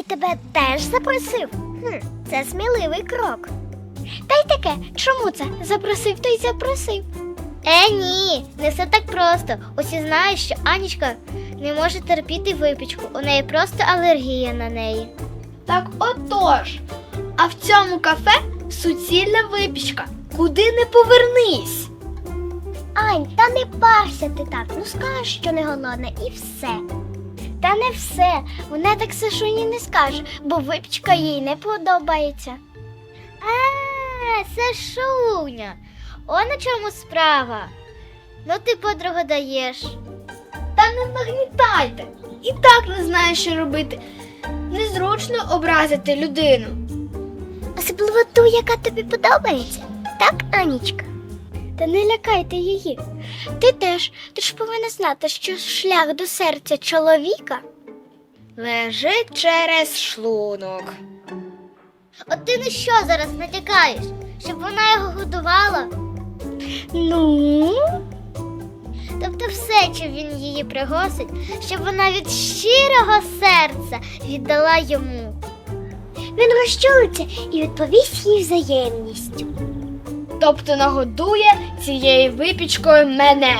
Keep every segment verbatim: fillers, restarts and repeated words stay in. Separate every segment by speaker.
Speaker 1: тебе теж запросив? Хм, це сміливий крок. Та й таке, чому це? Запросив, то й запросив. Е, ні, не все так просто. Усі знають, що Анічка не може терпіти випічку. У неї просто алергія на неї.
Speaker 2: Так отож. А в цьому кафе суцільна випічка. Куди не повернись.
Speaker 1: Ань, та не парся ти так. Ну скажеш, що не голодна, і все. Та не все. Вона так Сашуні не скаже, бо випічка їй не подобається. А, Сашуня, о на чому справа. Ну ти, подруга, даєш.
Speaker 2: Та не нагнітайте. І так не знаю, що робити. Незручно образити людину.
Speaker 1: Особливо ту, яка тобі подобається. Так, Анічка? Та не лякайте її. Ти теж, ти ж повинна знати, що шлях до серця чоловіка
Speaker 2: Лежить через шлунок.
Speaker 1: От ти на що зараз натякаєш? Щоб вона його годувала? Ну? Тобто все, чим він її пригосить, щоб вона від щирого серця віддала йому. Він розчулиться і відповість їй взаємністю.
Speaker 2: Тобто нагодує цією випічкою мене.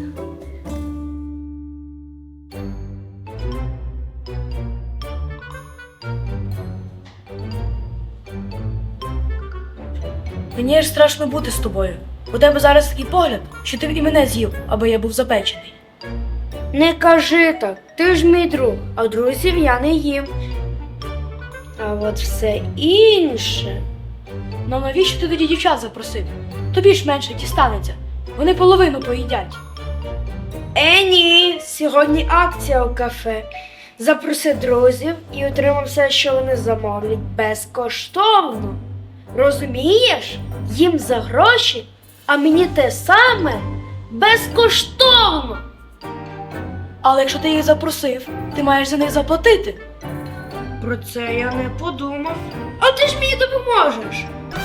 Speaker 3: Мені аж страшно бути з тобою. У тебе зараз такий погляд, що ти і мене з'їв, аби я був запечений.
Speaker 2: Не кажи так, ти ж мій друг, а друзів я не їм. А от все інше.
Speaker 3: Ну навіщо ти тоді дівчат запросив? Тобі ж менше дістанеться. Вони половину поїдять.
Speaker 2: Е, ні, сьогодні акція у кафе. Запроси друзів і отримай все, що вони замовлять, безкоштовно. Розумієш? Їм за гроші, а мені те саме безкоштовно.
Speaker 3: Але якщо ти їх запросив, ти маєш за них заплатити.
Speaker 2: Про це я не подумав. А ти ж мені допоможеш.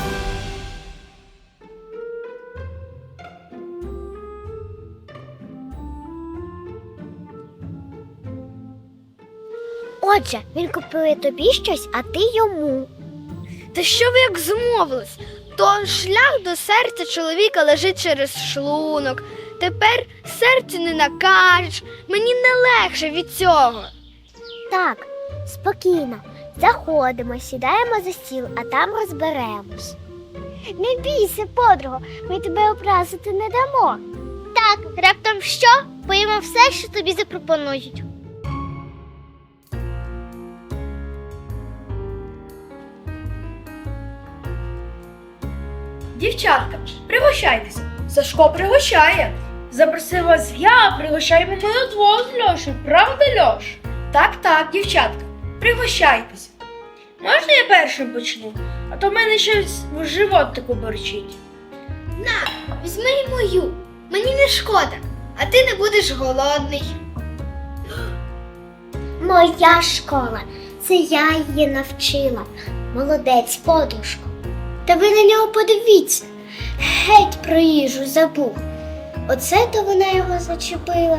Speaker 1: Отже, він купує тобі щось, а ти йому.
Speaker 2: Та що ви як змовились? То шлях до серця чоловіка лежить через шлунок. Тепер серцю не накажеш. Мені не легше від цього.
Speaker 1: Так, спокійно. Заходимо, сідаємо за стіл, а там розберемось. Не бійся, подруго, ми тебе образити не дамо. Так, раптом що? Поїмо все, що тобі запропонують.
Speaker 3: Дівчатка, пригощайтеся. Сашко пригощає.
Speaker 2: Запросив вас я, пригощаємо мене двох з Льошею. Правда, Льош?
Speaker 3: Так, так, дівчатка, пригощайтеся.
Speaker 2: Можна я першим почну? А то в мене щось в животику борчить. На, візьми й мою. Мені не шкода, а ти не будеш голодний.
Speaker 1: Моя школа. Це я її навчила. Молодець, подружко. Та ви на нього подивіться. Геть про їжу забув. Оце то вона його зачепила.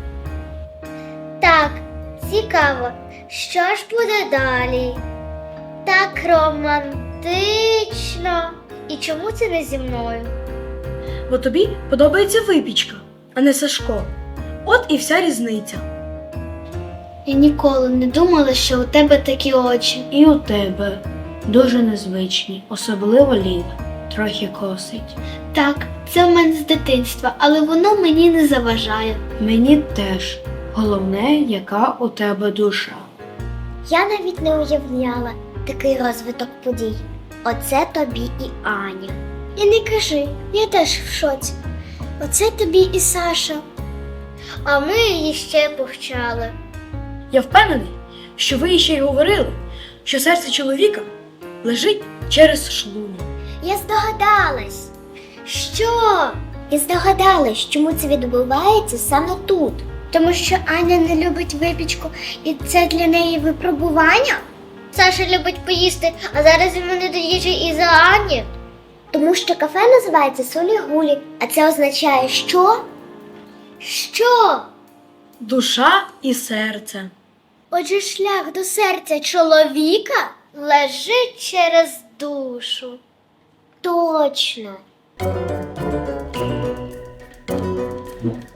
Speaker 1: Так, цікаво, що ж буде далі? Так романтично. І чому це не зі мною?
Speaker 3: Бо тобі подобається випічка, а не Сашко. От і вся різниця.
Speaker 2: Я ніколи не думала, що у тебе такі очі.
Speaker 4: І у тебе дуже незвичні, особливо ліве, трохи косить.
Speaker 2: Так, це в мене з дитинства, але воно мені не заважає.
Speaker 4: Мені теж. Головне, яка у тебе душа.
Speaker 1: Я навіть не уявляла такий розвиток подій. Оце тобі і Аня. І не кажи, я теж в шоці. Оце тобі і Саша. А ми її ще повчали.
Speaker 3: Я впевнений, що ви ще й говорили, що серце чоловіка лежить через шлунок.
Speaker 1: Я здогадалась. Що? Я здогадалась, чому це відбувається саме тут. Тому що Аня не любить випічку, і це для неї випробування. Саша любить поїсти, а зараз йому не до їжі із-за Ані. Тому що кафе називається Солі-Гулі, а це означає що? Що?
Speaker 3: Душа і серце.
Speaker 1: Отже, шлях до серця чоловіка лежить через душу. Точно.